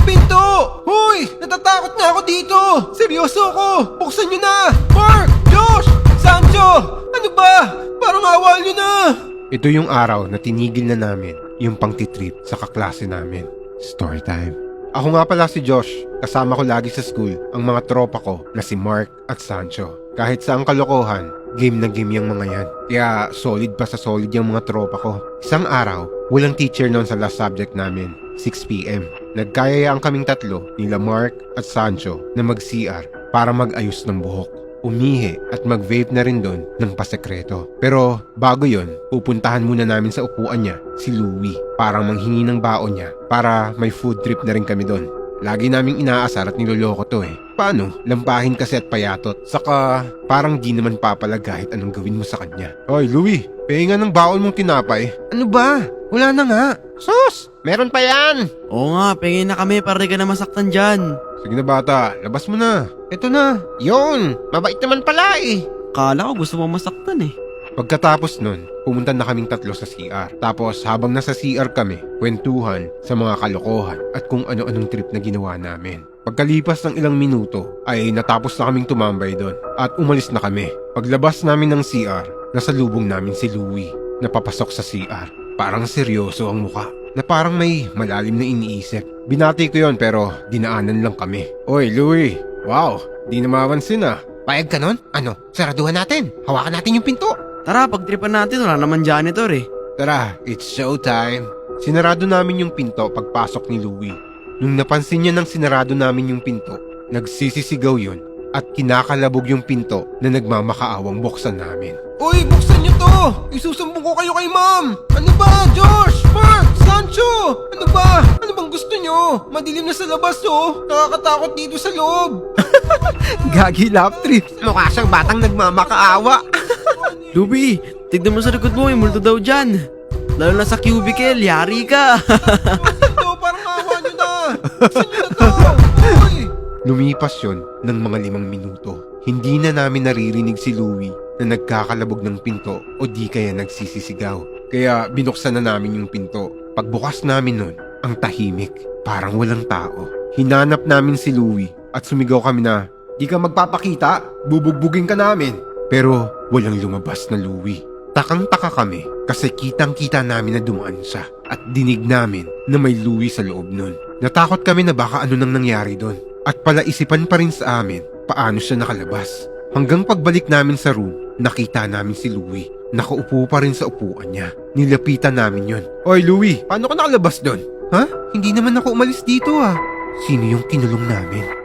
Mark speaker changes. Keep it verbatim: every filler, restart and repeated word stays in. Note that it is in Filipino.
Speaker 1: yung pinto! Hoy! Natatakot na ako dito! Seryoso ako! Buksan nyo na! Mark! Josh! Sancho! Ano ba? Parang awal nyo na! Ito yung araw na tinigil na namin yung pangtitrip sa kaklase namin. Story time. Ako nga pala si Josh. Kasama ko lagi sa school ang mga tropa ko na si Mark at Sancho. Kahit saang kalokohan, game na game yung mga yan. Kaya solid pa sa solid yung mga tropa ko. Isang araw, walang teacher noon sa last subject namin, six p m Nagkayayaan kaming tatlo, nila Mark at Sancho, na mag-C R para mag-ayos ng buhok, umihi at mag-vape na rin doon ng pasekreto. Pero bago yon, pupuntahan muna namin sa upuan niya si Louie para manghingi ng baon niya para may food trip na rin kami doon. Lagi naming inaasar at niloloko to eh. Paano? Lampahin kasi at payatot. Saka parang di naman papalag kahit anong gawin mo sa kanya. Hoy Louie, pahinga ng baon mong tinapay. Ano ba? Wala na nga. Sus! Meron pa yan!
Speaker 2: Oo nga, pengin na kami para di ka na masaktan dyan.
Speaker 1: Sige na bata, labas mo na. Eto na. Yon, mabait naman pala eh.
Speaker 2: Kala ko gusto mo masaktan eh.
Speaker 1: Pagkatapos nun, pumunta na kaming tatlo sa C R. Tapos habang nasa C R kami, kwentuhan sa mga kalokohan at kung ano-anong trip na ginawa namin. Pagkalipas ng ilang minuto, ay natapos na kaming tumambay doon at umalis na kami. Paglabas namin ng C R, nasa lubong namin si Louie na papasok sa C R. Parang seryoso ang muka, na parang may malalim na iniisip. Binati ko yon pero dinaanan lang kami. Oy Louie, wow, di na mapansin ah. Payag ka nun? Ano, saraduhan natin. Hawakan natin yung pinto.
Speaker 2: Tara, pagtripan natin, wala naman janitor eh.
Speaker 1: Tara, it's showtime. Sinarado namin yung pinto pagpasok ni Louie. Nung napansin niya nang sinarado namin yung pinto, nagsisisigaw yun at kinakalabog yung pinto na nagmamakaawang buksan namin. Uy, buksan niyo to! Isusumbong ko kayo kay ma'am! Ano ba, Josh? Mark? Sancho? Ano ba? Ano bang gusto niyo? Madilim na sa labas oh! Nakakatakot dito sa loob! Gagi lap trip! Mukha siyang batang nagmamakaawa!
Speaker 2: Luby, tignan mo sa likod mo, may multo daw dyan. Lalo na sa cubicle, yari ka.
Speaker 1: Ito, parang awa nyo na! Buksan niyo na to! Uy! Lumipas yun ng mga limang minuto. Hindi na namin naririnig si Louie na nagkakalabog ng pinto o di kaya nagsisisigaw. Kaya binuksan na namin yung pinto. Pagbukas namin nun, ang tahimik. Parang walang tao. Hinanap namin si Louie at sumigaw kami na, "Di ka magpapakita, bubugbugin ka namin." Pero walang lumabas na Louie. Takang-taka kami kasi kitang-kita namin na dumaan siya at dinig namin na may Louie sa loob nun. Natakot kami na baka ano nang nangyari doon. At palaisipan pa rin sa amin paano siya nakalabas. Hanggang pagbalik namin sa room, nakita namin si Louie. Nakaupo pa rin sa upuan niya. Nilapitan namin yon. Oy Louie, paano ka nakalabas doon? Ha? Hindi naman ako umalis dito ah. Sino yung kinulong namin?